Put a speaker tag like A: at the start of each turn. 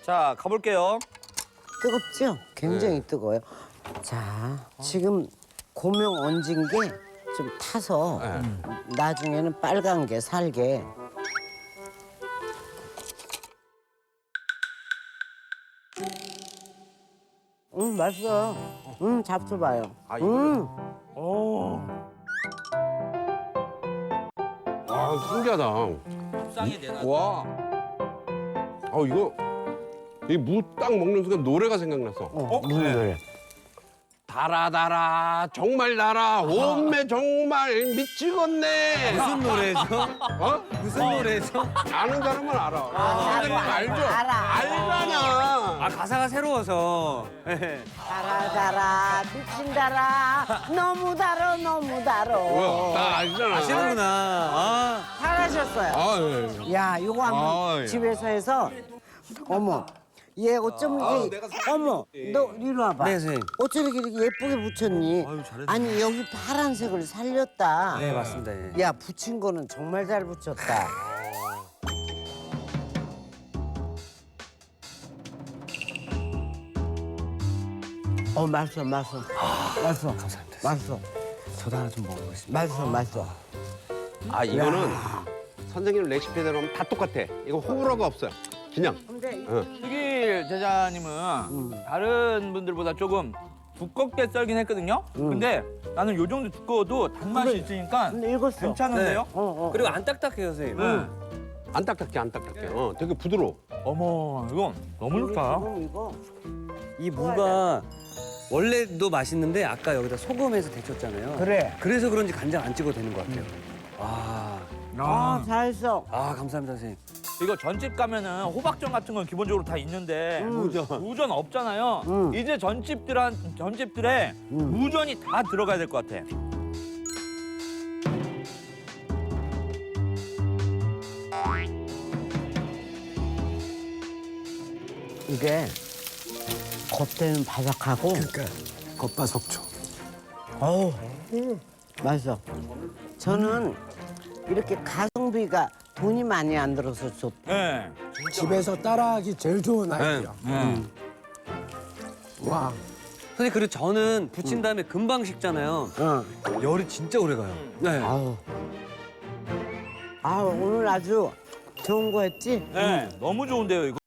A: 자, 가볼게요.
B: 뜨겁죠? 굉장히 뜨거워요. 자, 지금 고명 얹은 게 좀 타서 나중에는 빨간 게 살게. 맛있어요. 잡숴봐요.
C: 아, 신기하다.
A: 쌍이 내놔.
C: 와. 이거 이 무 딱 먹는 순간 노래가 생각났어.
B: 무슨 노래?
C: 달아 정말 달아 온매 정말 미치겠네.
A: 무슨 노래죠?
C: 어?
A: 무슨 노래죠?
C: 아는 사람은 알아. 알죠?
B: 알아.
C: 알잖아.
A: 아, 가사가 새로워서.
B: 달아 미친 달아 너무 달아 너무 달아.
C: 뭐야? 나 알잖아.
A: 아시는구나. 아,
B: 잘하셨어요.
C: 아, 예.
B: 야, 이거 한번
C: 야.
B: 집에서 해서. 어머, 얘 어쩜 이게 어머, 너 이리 와봐.
A: 네, 선생님.
B: 어쩜 이렇게 예쁘게 붙였니?
A: 아유, 잘했네.
B: 아니 여기 파란색을 살렸다.
A: 네, 맞습니다. 예.
B: 야, 붙인 거는 정말 잘 붙였다. 맛있어, 맛있어. 맛있어.
A: 감사합니다.
B: 맛있어.
A: 저도 하나 좀 먹어보겠습니다.
B: 맛있어, 맛있어.
C: 아, 이거는 선생님 레시피대로 하면 다 똑같아. 이거 호불호가 없어요. 그냥.
B: 근데
A: 튀길 제자님은 다른 분들보다 조금 두껍게 썰긴 했거든요. 근데 나는 요 정도 두꺼워도 단맛이 있으니까
B: 읽었어.
A: 괜찮은데요?
D: 그리고 안 딱딱해요, 선생님.
A: 네.
C: 안 딱딱해, 안 딱딱해. 되게 부드러워.
A: 어머, 이거 너무 좋다.
B: 이거.
D: 이 무가 원래도 맛있는데 아까 여기다 소금해서 데쳤잖아요.
B: 그래.
D: 그래서 그런지 간장 안 찍어도 되는 것 같아요.
B: 잘했어.
D: 감사합니다, 선생님.
A: 이거 전집 가면은 호박전 같은 건 기본적으로 다 있는데 무전 없잖아요. 이제 전집들에 무전이 다 들어가야 될 것 같아.
B: 이게 겉에는 바삭하고
E: 겉바속촉.
B: 어우 맛있어. 저는 이렇게 가성비가 돈이 많이 안 들어서 좋다.
A: 네.
E: 집에서 따라하기 제일 좋은 아이디어. 와.
D: 선생님, 그리고 저는 부친 다음에 금방 식잖아요. 열이 진짜 오래 가요. 네.
B: 오늘 아주 좋은 거 했지?
A: 네. 너무 좋은데요, 이거.